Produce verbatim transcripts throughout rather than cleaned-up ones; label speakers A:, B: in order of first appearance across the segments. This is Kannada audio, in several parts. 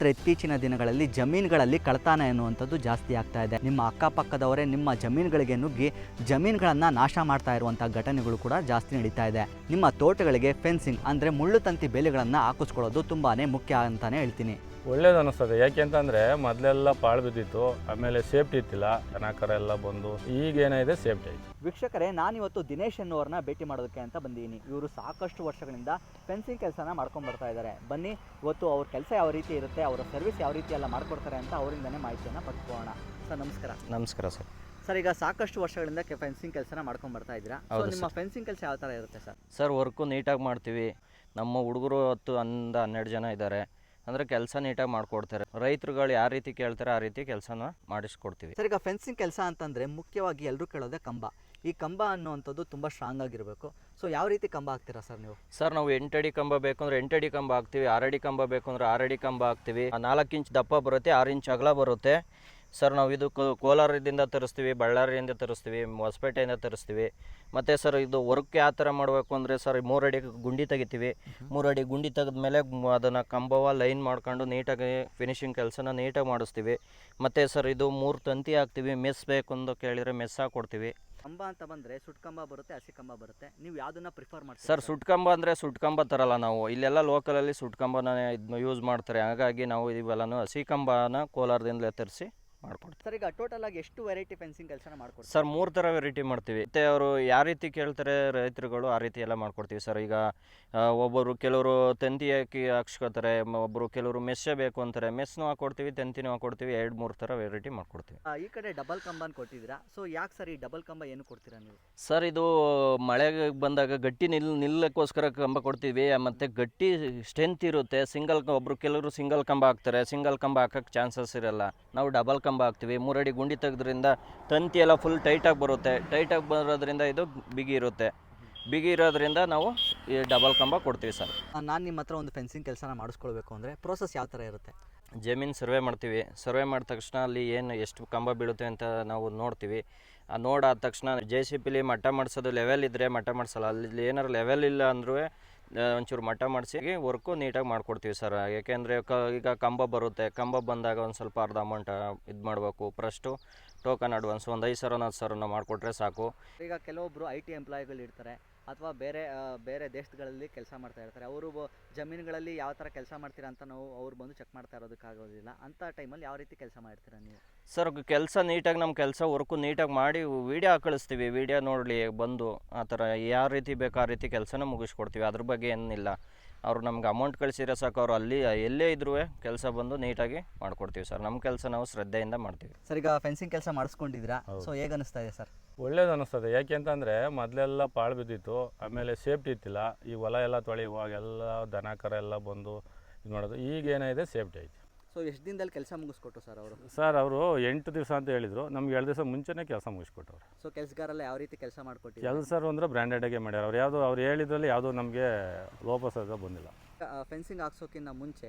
A: ಡಾಕ್ಟರ್ ಇತ್ತೀಚಿನ ದಿನಗಳಲ್ಲಿ ಜಮೀನುಗಳಲ್ಲಿ ಕಳ್ಳತನ ಎನ್ನುವಂಥದ್ದು ಜಾಸ್ತಿ ಆಗ್ತಾ ಇದೆ. ನಿಮ್ಮ ಅಕ್ಕಪಕ್ಕದವರೇ ನಿಮ್ಮ ಜಮೀನುಗಳಿಗೆ ನುಗ್ಗಿ ಜಮೀನುಗಳನ್ನು ನಾಶ ಮಾಡ್ತಾ ಇರುವಂಥ ಘಟನೆಗಳು ಕೂಡ ಜಾಸ್ತಿ ನಡೀತಾ ಇದೆ. ನಿಮ್ಮ ತೋಟಗಳಿಗೆ ಫೆನ್ಸಿಂಗ್ ಅಂದರೆ ಮುಳ್ಳು ತಂತಿ ಬೇಲಿಗಳನ್ನು ಹಾಕಿಸ್ಕೊಳ್ಳೋದು ತುಂಬಾ ಮುಖ್ಯ ಅಂತಲೇ ಹೇಳ್ತೀನಿ.
B: ಒಳ್ಳೇದು ಅನ್ನಿಸ್ತದೆ. ಯಾಕೆಂತಂದರೆ ಮೊದಲೆಲ್ಲ ಪಾಳು ಬಿದ್ದಿತ್ತು, ಆಮೇಲೆ ಸೇಫ್ಟಿ ಇತ್ತಿಲ್ಲ, ದನಕರ ಎಲ್ಲ ಬಂದು ಈಗೇನಿದೆ ಸೇಫ್ಟಿ ಐತಿ.
A: ವೀಕ್ಷಕರೇ, ನಾನಿವತ್ತು ದಿನೇಶ್ ಅನ್ನೋರನ್ನ ಭೇಟಿ ಮಾಡೋದಕ್ಕೆ ಅಂತ ಬಂದಿದ್ದೀನಿ. ಇವರು ಸಾಕಷ್ಟು ವರ್ಷಗಳಿಂದ ಫೆನ್ಸಿಂಗ್ ಕೆಲಸನ ಮಾಡ್ಕೊಂಡು ಬರ್ತಾ ಇದ್ದಾರೆ. ಬನ್ನಿ ಇವತ್ತು ಅವ್ರ ಕೆಲಸ ಯಾವ ರೀತಿ ಇರುತ್ತೆ, ಅವರ ಸರ್ವಿಸ್ ಯಾವ ರೀತಿ ಎಲ್ಲ ಮಾಡ್ಕೊಡ್ತಾರೆ ಅಂತ ಅವರಿಂದನೇ ಮಾಹಿತಿಯನ್ನು ಪಡ್ಕೊಳ್ಳೋಣ. ಸರ್ ನಮಸ್ಕಾರ.
C: ನಮಸ್ಕಾರ ಸರ್.
A: ಸರ್, ಈಗ ಸಾಕಷ್ಟು ವರ್ಷಗಳಿಂದ ಫೆನ್ಸಿಂಗ್ ಕೆಲಸನ ಮಾಡ್ಕೊಂಡು ಬರ್ತಾ ಇದ್ದೀರಾ. ನಿಮ್ಮ ಫೆನ್ಸಿಂಗ್ ಕೆಲಸ ಯಾವ ಥರ ಇರುತ್ತೆ ಸರ್?
C: ಸರ್, ವರ್ಕು ನೀಟಾಗಿ ಮಾಡ್ತೀವಿ. ನಮ್ಮ ಹುಡುಗರು ಹತ್ತು ಹನ್ನೊಂದು ಹನ್ನೆರಡು ಜನ ಇದ್ದಾರೆ. ಅಂದರೆ ಕೆಲಸ ನೀಟಾಗಿ ಮಾಡಿಕೊಡ್ತಾರೆ. ರೈತರುಗಳು ಯಾವ ರೀತಿ ಕೇಳ್ತಾರೆ ಆ ರೀತಿ ಕೆಲಸನ ಮಾಡಿಸ್ಕೊಡ್ತೀವಿ.
A: ಸರ್, ಈಗ ಫೆನ್ಸಿಂಗ್ ಕೆಲಸ ಅಂತಂದರೆ ಮುಖ್ಯವಾಗಿ ಎಲ್ಲರೂ ಕೇಳೋದೇ ಕಂಬ. ಈ ಕಂಬ ಅನ್ನುವಂಥದ್ದು ತುಂಬ ಸ್ಟ್ರಾಂಗ್ ಆಗಿರಬೇಕು. ಸೊ ಯಾವ ರೀತಿ ಕಂಬ ಹಾಕ್ತೀರಾ ಸರ್ ನೀವು?
C: ಸರ್, ನಾವು ಎಂಟಡಿ ಕಂಬ ಬೇಕು ಅಂದರೆ ಎಂಟಡಿ ಕಂಬ ಹಾಕ್ತೀವಿ. ಆರಡಿ ಕಂಬ ಬೇಕು ಅಂದರೆ ಆರಡಿ ಕಂಬ ಹಾಕ್ತೀವಿ. ನಾಲ್ಕು ಇಂಚ್ ದಪ್ಪ ಬರುತ್ತೆ, ಆರು ಇಂಚ್ ಅಗಲ ಬರುತ್ತೆ. ಸರ್, ನಾವು ಇದು ಕೋಲಾರದಿಂದ ತರಿಸ್ತೀವಿ, ಬಳ್ಳಾರಿಯಿಂದ ತರಿಸ್ತೀವಿ, ಹೊಸಪೇಟೆಯಿಂದ ತರಿಸ್ತೀವಿ. ಮತ್ತು ಸರ್, ಇದು ವರ್ಕ್ ಯಾವ ಥರ ಮಾಡಬೇಕು ಅಂದರೆ ಸರ್, ಮೂರಡಿ ಗುಂಡಿ ತೆಗಿತೀವಿ. ಮೂರಡಿ ಗುಂಡಿ ತೆಗೆದ್ಮೇಲೆ ಅದನ್ನು ಕಂಬವ ಲೈನ್ ಮಾಡ್ಕೊಂಡು ನೀಟಾಗಿ ಫಿನಿಶಿಂಗ್ ಕೆಲಸನ ನೀಟಾಗಿ ಮಾಡಿಸ್ತೀವಿ. ಮತ್ತು ಸರ್, ಇದು ಮೂರು ತಂತಿ ಹಾಕ್ತೀವಿ. ಮೆಸ್ ಬೇಕು ಅಂತ ಕೇಳಿದರೆ ಮೆಸ್ ಹಾಕ್ಕೊಡ್ತೀವಿ.
A: ಕಂಬ ಅಂತ ಬಂದರೆ ಸುಟ್ಟು ಕಂಬ ಬರುತ್ತೆ, ಹಸಿ ಕಂಬ ಬರುತ್ತೆ. ನೀವು ಯಾವುದನ್ನು ಪ್ರಿಫರ್ ಮಾಡ್ತೀವಿ?
C: ಸರ್, ಸುಟ್ಟು ಕಂಬ ಅಂದರೆ ಸುಟ್ಟು ಕಂಬ ತರಲ್ಲ ನಾವು. ಇಲ್ಲೆಲ್ಲ ಲೋಕಲಲ್ಲಿ ಸುಟ್ಟು ಕಂಬನ ಇದು ಯೂಸ್ ಮಾಡ್ತಾರೆ. ಹಾಗಾಗಿ ನಾವು ಇವೆಲ್ಲನೂ ಹಸಿ ಕಂಬನ ಕೋಲಾರದಿಂದಲೇ ತರಿಸಿ ಮಾಡ್ಕೊಡ್ತೀವಿ.
A: ಸರ್, ಈಗ ಟೋಟಲ್ ಆಗಿ ಎಷ್ಟು ವೆರೈಟಿ ಫೆನ್ಸಿಂಗ್ ಕೆಲಸನ ಮಾಡ್ಕೊಡ್ತೀವಿ?
C: ಸರ್, ಮೂರು ಥರ ವೆರೈಟಿ ಮಾಡ್ತೀವಿ. ಮತ್ತು ಅವರು ಯಾವ ರೀತಿ ಕೇಳ್ತಾರೆ ರೈತರುಗಳು ಆ ರೀತಿ ಎಲ್ಲ ಮಾಡ್ಕೊಡ್ತೀವಿ ಸರ್. ಈಗ ಒಬ್ಬರು ಕೆಲವರು ತಂತಿ ಹಾಕಿ ಹಾಕ್ಸ್ಕೊತಾರೆ, ಒಬ್ಬರು ಕೆಲವರು ಮೆಸ್ಸೇ ಬೇಕು ಅಂತಾರೆ. ಮೆಸ್ನೂ ಹಾಕ್ಕೊಡ್ತೀವಿ, ತಂತಿನೂ ಹಾಕ್ಕೊಡ್ತೀವಿ. ಎರಡು ಮೂರು ಥರ ವೆರೈಟಿ ಮಾಡ್ಕೊಡ್ತೀವಿ.
A: ಈ ಕಡೆ ಡಬಲ್ ಕಂಬನ ಕೊಟ್ಟಿದ್ದೀರಾ. ಸೊ ಯಾಕೆ ಸರ್ ಈ ಡಬಲ್ ಕಂಬ ಏನು ಕೊಡ್ತೀರಾ ನೀವು?
C: ಸರ್, ಇದು ಮಳೆಗೆ ಬಂದಾಗ ಗಟ್ಟಿ ನಿಲ್ ನಿಲ್ಲಕ್ಕೋಸ್ಕರ ಕಂಬ ಕೊಡ್ತೀವಿ. ಮತ್ತು ಗಟ್ಟಿ ಸ್ಟ್ರೆಂತ್ ಇರುತ್ತೆ. ಸಿಂಗಲ್ ಒಬ್ಬರು ಕೆಲವರು ಸಿಂಗಲ್ ಕಂಬ ಹಾಕ್ತಾರೆ. ಸಿಂಗಲ್ ಕಂಬ ಹಾಕೋಕ್ಕೆ ಚಾನ್ಸಸ್ ಇರಲ್ಲ. ನಾವು ಡಬಲ್ ಕಂಬ ಹಾಕ್ತೀವಿ. ಮೂರಡಿ ಗುಂಡಿ ತೆಗೆದ್ರಿಂದ ತಂತಿ ಎಲ್ಲ ಫುಲ್ ಟೈಟಾಗಿ ಬರುತ್ತೆ. ಟೈಟಾಗಿ ಬರೋದ್ರಿಂದ ಇದು ಬಿಗಿ ಇರುತ್ತೆ. ಬಿಗಿ ಇರೋದ್ರಿಂದ ನಾವು ಈ ಡಬಲ್ ಕಂಬ ಕೊಡ್ತೀವಿ ಸರ್.
A: ನಾನು ನಿಮ್ಮ ಹತ್ರ ಒಂದು ಫೆನ್ಸಿಂಗ್ ಕೆಲಸನ ಮಾಡಿಸ್ಕೊಳ್ಬೇಕು ಅಂದರೆ ಪ್ರೋಸೆಸ್ ಯಾವ ಥರ ಇರುತ್ತೆ?
C: ಜಮೀನು ಸರ್ವೆ ಮಾಡ್ತೀವಿ. ಸರ್ವೆ ಮಾಡಿದ ತಕ್ಷಣ ಅಲ್ಲಿ ಏನು ಎಷ್ಟು ಕಂಬ ಬೀಳುತ್ತೆ ಅಂತ ನಾವು ನೋಡ್ತೀವಿ. ಆ ನೋಡಾದ ತಕ್ಷಣ ಜೆ ಸಿ ಪಿಲಿ ಮಟ್ಟ ಮಾಡಿಸೋದು ಲೆವೆಲ್ ಇದ್ದರೆ ಮಟ್ಟ ಮಾಡಿಸಲ್ಲ. ಅಲ್ಲಿ ಏನಾರು ಲೆವೆಲ್ ಇಲ್ಲ ಅಂದರೂ ಒಂಚೂರು ಮಟ್ಟ ಮಾಡಿಸಿ ವರ್ಕು ನೀಟಾಗಿ ಮಾಡಿಕೊಡ್ತೀವಿ ಸರ್. ಏಕೆಂದರೆ ಕ ಈಗ ಕಂಬ ಬರುತ್ತೆ. ಕಂಬ ಬಂದಾಗ ಒಂದು ಸ್ವಲ್ಪ ಅರ್ಧ ಅಮೌಂಟ್ ಇದು ಮಾಡಬೇಕು. ಫಸ್ಟು ಟೋಕನ್ ಅಡ್ವಾನ್ಸ್ ಒಂದು ಐದು ಸಾವಿರ ಹತ್ತು ಸಾವಿರ ಮಾಡಿಕೊಟ್ರೆ ಸಾಕು.
A: ಈಗ ಕೆಲವೊಬ್ಬರು ಐ ಟಿ ಎಂಪ್ಲಾಯಿಗಳು ಇರ್ತಾರೆ ಅಥವಾ ಬೇರೆ ಬೇರೆ ದೇಶಗಳಲ್ಲಿ ಕೆಲಸ ಮಾಡ್ತಾ ಇರ್ತಾರೆ. ಅವರು ಜಮೀನುಗಳಲ್ಲಿ ಯಾವ ಥರ ಕೆಲಸ ಮಾಡ್ತೀರಾ ಅಂತ ನಾವು ಅವ್ರು ಬಂದು ಚೆಕ್ ಮಾಡ್ತಾ ಇರೋದಕ್ಕಾಗೋದಿಲ್ಲ. ಅಂಥ ಟೈಮಲ್ಲಿ ಯಾವ ರೀತಿ ಕೆಲಸ ಮಾಡ್ತೀರಾ ನೀವು?
C: ಸರ್, ಕೆಲಸ ನೀಟಾಗಿ ನಮ್ಮ ಕೆಲಸ ವರ್ಕು ನೀಟಾಗಿ ಮಾಡಿ ವೀಡಿಯೋ ಕಳಿಸ್ತೀವಿ. ವೀಡಿಯೋ ನೋಡಲಿ ಬಂದು ಆ ಥರ ಯಾವ ರೀತಿ ಬೇಕು ಆ ರೀತಿ ಕೆಲಸನ ಮುಗಿಸ್ಕೊಡ್ತೀವಿ. ಅದ್ರ ಬಗ್ಗೆ ಏನಿಲ್ಲ. ಅವರು ನಮ್ಗೆ ಅಮೌಂಟ್ ಕಳಿಸಿರೋ ಸಾಕು. ಅವರು ಅಲ್ಲಿ ಎಲ್ಲೇ ಇದ್ರೂ ಕೆಲಸ ಬಂದು ನೀಟಾಗಿ ಮಾಡಿಕೊಡ್ತೀವಿ ಸರ್. ನಮ್ಮ ಕೆಲಸ ನಾವು ಶ್ರದ್ಧೆಯಿಂದ ಮಾಡ್ತೀವಿ
A: ಸರ್. ಈಗ ಫೆನ್ಸಿಂಗ್ ಕೆಲಸ ಮಾಡಿಸ್ಕೊಂಡಿದ್ದೀರಾ. ಸೊ ಹೇಗೆ ಅನಿಸ್ತಾ ಇದೆ ಸರ್?
B: ಒಳ್ಳೇದು ಅನ್ನಿಸ್ತದೆ. ಯಾಕೆಂತಂದರೆ ಮೊದಲೆಲ್ಲ ಪಾಳು ಬಿದ್ದಿತ್ತು, ಆಮೇಲೆ ಸೇಫ್ಟಿ ಇತ್ತಿಲ್ಲ. ಈ ಹೊಲ ಎಲ್ಲ ತೊಳೆಯುವಾಗೆಲ್ಲ ದನಕರ ಎಲ್ಲ ಬಂದು ಇದು ಮಾಡೋದು. ಈಗೇನಿದೆ ಸೇಫ್ಟಿ ಐತಿ.
A: ಸೊ ಎಷ್ಟು ದಿನದಲ್ಲಿ ಕೆಲಸ ಮುಗಿಸ್ಕೊಟ್ರು ಸರ್ ಅವರು?
B: ಸರ್, ಅವರು ಎಂಟು ದಿವಸ ಅಂತ ಹೇಳಿದರು. ನಮ್ಗೆ ಎರಡು ದಿವಸ ಮುಂಚೆನೇ ಕೆಲಸ ಮುಗಿಸ್ಕೊಟ್ಟವ್ರು.
A: ಸೊ ಕೆಲಸಗಾರೆಲ್ಲ ಯಾವ ರೀತಿ ಕೆಲಸ ಮಾಡಿಕೊಟ್ಟಿದ್ರು?
B: ಕೆಲಸರು ಅಂದರೆ ಬ್ರ್ಯಾಂಡೆಡಾಗೆ ಮಾಡ್ಯಾರ. ಅವ್ರು ಯಾವುದು ಅವ್ರು ಹೇಳಿದ್ರಲ್ಲಿ ಯಾವುದೂ ನಮಗೆ ಲೋಪಸದ ಬಂದಿಲ್ಲ.
A: ಫೆನ್ಸಿಂಗ್ ಹಾಕ್ಸೋಕ್ಕಿಂತ ಮುಂಚೆ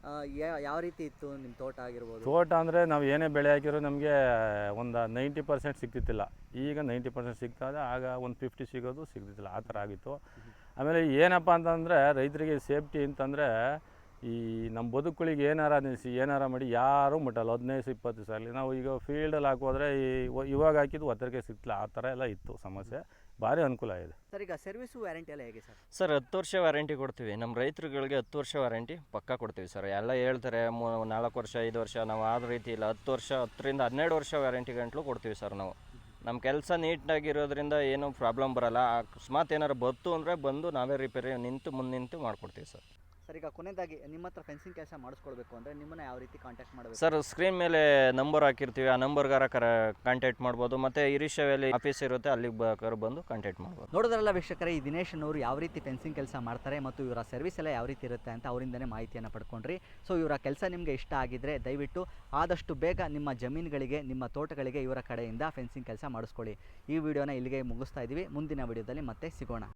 A: ಯಾವ ರೀತಿ ಇತ್ತು ನಿಮ್ಮ ತೋಟ ಆಗಿರ್ಬೋದು?
B: ತೋಟ ಅಂದರೆ ನಾವು ಏನೇ ಬೆಳೆ ಹಾಕಿರೋ ನಮಗೆ ಒಂದು ನೈಂಟಿ ಪರ್ಸೆಂಟ್ ಸಿಗ್ತಿತ್ತಿಲ್ಲ. ಈಗ ನೈಂಟಿ ಪರ್ಸೆಂಟ್ ಸಿಗ್ತದೆ. ಆಗ ಒಂದು ಫಿಫ್ಟಿ ಸಿಗೋದು ಸಿಗ್ತಿತ್ತಿಲ್ಲ. ಆ ಥರ ಆಗಿತ್ತು. ಆಮೇಲೆ ಏನಪ್ಪ ಅಂತಂದರೆ ರೈತರಿಗೆ ಸೇಫ್ಟಿ ಅಂತಂದರೆ ಈ ನಮ್ಮ ಬದುಕುಗಳಿಗೆ ಏನಾರ ನಿಲ್ಲಿಸಿ ಏನಾರ ಮಾಡಿ ಯಾರೂ ಮುಟ್ಟಲ್ಲ. ಹದಿನೈದು ಇಪ್ಪತ್ತು ದಿವಸ ಆಗಲಿ. ನಾವು ಈಗ ಫೀಲ್ಡಲ್ಲಿ ಹಾಕೋದ್ರೆ ಈ ಇವಾಗ ಹಾಕಿದ್ದು ಒತ್ತರಿಗೆ ಸಿಗ್ತಿಲ್ಲ. ಆ ಥರ ಎಲ್ಲ ಇತ್ತು ಸಮಸ್ಯೆ. ಭಾರಿ ಅನುಕೂಲ ಇದೆ
A: ಸರ್. ಈಗ ಸರ್ವಿಸು ವ್ಯಾರಂಟಿ ಎಲ್ಲ ಹೇಗೆ ಸರ್?
C: ಸರ್, ಹತ್ತು ವರ್ಷ ವ್ಯಾರಂಟಿ ಕೊಡ್ತೀವಿ. ನಮ್ಮ ರೈತರುಗಳಿಗೆ ಹತ್ತು ವರ್ಷ ವ್ಯಾರಂಟಿ ಪಕ್ಕಾ ಕೊಡ್ತೀವಿ ಸರ್. ಎಲ್ಲ ಹೇಳ್ತಾರೆ ಮೂ ನಾಲ್ಕು ವರ್ಷ ಐದು ವರ್ಷ. ನಾವು ಆದ ರೀತಿ ಇಲ್ಲ. ಹತ್ತು ವರ್ಷ ಹತ್ತರಿಂದ ಹನ್ನೆರಡು ವರ್ಷ ವ್ಯಾರಂಟಿ ಗಂಟಲು ಕೊಡ್ತೀವಿ ಸರ್ ನಾವು. ನಮ್ಮ ಕೆಲಸ ನೀಟಾಗಿರೋದ್ರಿಂದ ಏನೂ ಪ್ರಾಬ್ಲಮ್ ಬರೋಲ್ಲ. ಅಕಸ್ಮಾತ್ ಏನಾರು ಬತ್ತು ಅಂದರೆ ಬಂದು ನಾವೇ ರಿಪೇರಿ ನಿಂತು ಮುಂದೆ ನಿಂತು ಮಾಡಿಕೊಡ್ತೀವಿ ಸರ್.
A: ಸರ್, ಈಗ ಕೊನೆಯದಾಗಿ ನಿಮ್ಮ ಹತ್ರ ಫೆನ್ಸಿಂಗ್ ಕೆಲಸ ಮಾಡಿಸ್ಕೊಳ್ಬೇಕು ಅಂದರೆ ನಿಮ್ಮನ್ನು ಯಾವ ರೀತಿ ಕಾಂಟ್ಯಾಕ್ಟ್ ಮಾಡಬೇಕು?
C: ಸರ್, ಸ್ಕ್ರೀನ್ ಮೇಲೆ ನಂಬರ್ ಹಾಕಿರ್ತೀವಿ. ಆ ನಂಬರ್ಗಾರ ಕರ ಕಾಂಟ್ಯಾಕ್ಟ್ ಮಾಡ್ಬೋದು. ಮತ್ತು ಇರಿಷಾವಲ್ಲಿ ಆಫೀಸ್ ಇರುತ್ತೆ, ಅಲ್ಲಿಗೆ ಬೇಕಾದ್ರೆ ಬಂದು ಕಾಂಟ್ಯಾಕ್ಟ್ ಮಾಡ್ಬೋದು.
A: ನೋಡೋದ್ರಲ್ಲ ವೀಕ್ಷಕರೇ, ಈ ದಿನೇಶ್ ಅವರು ಯಾವ ರೀತಿ ಫೆನ್ಸಿಂಗ್ ಕೆಲಸ ಮಾಡ್ತಾರೆ ಮತ್ತು ಇವರ ಸರ್ವಿಸ್ ಎಲ್ಲ ಯಾವ ರೀತಿ ಇರುತ್ತೆ ಅಂತ ಅವರಿಂದನೇ ಮಾಹಿತಿಯನ್ನು ಪಡ್ಕೊಂಡ್ರಿ. ಸೊ ಇವರ ಕೆಲಸ ನಿಮಗೆ ಇಷ್ಟ ಆಗಿದ್ದರೆ ದಯವಿಟ್ಟು ಆದಷ್ಟು ಬೇಗ ನಿಮ್ಮ ಜಮೀನುಗಳಿಗೆ ನಿಮ್ಮ ತೋಟಗಳಿಗೆ ಇವರ ಕಡೆಯಿಂದ ಫೆನ್ಸಿಂಗ್ ಕೆಲಸ ಮಾಡಿಸ್ಕೊಳ್ಳಿ. ಈ ವಿಡಿಯೋನ ಇಲ್ಲಿಗೆ ಮುಗಿಸ್ತಾ ಇದ್ದೀವಿ. ಮುಂದಿನ ವಿಡಿಯೋದಲ್ಲಿ ಮತ್ತೆ ಸಿಗೋಣ.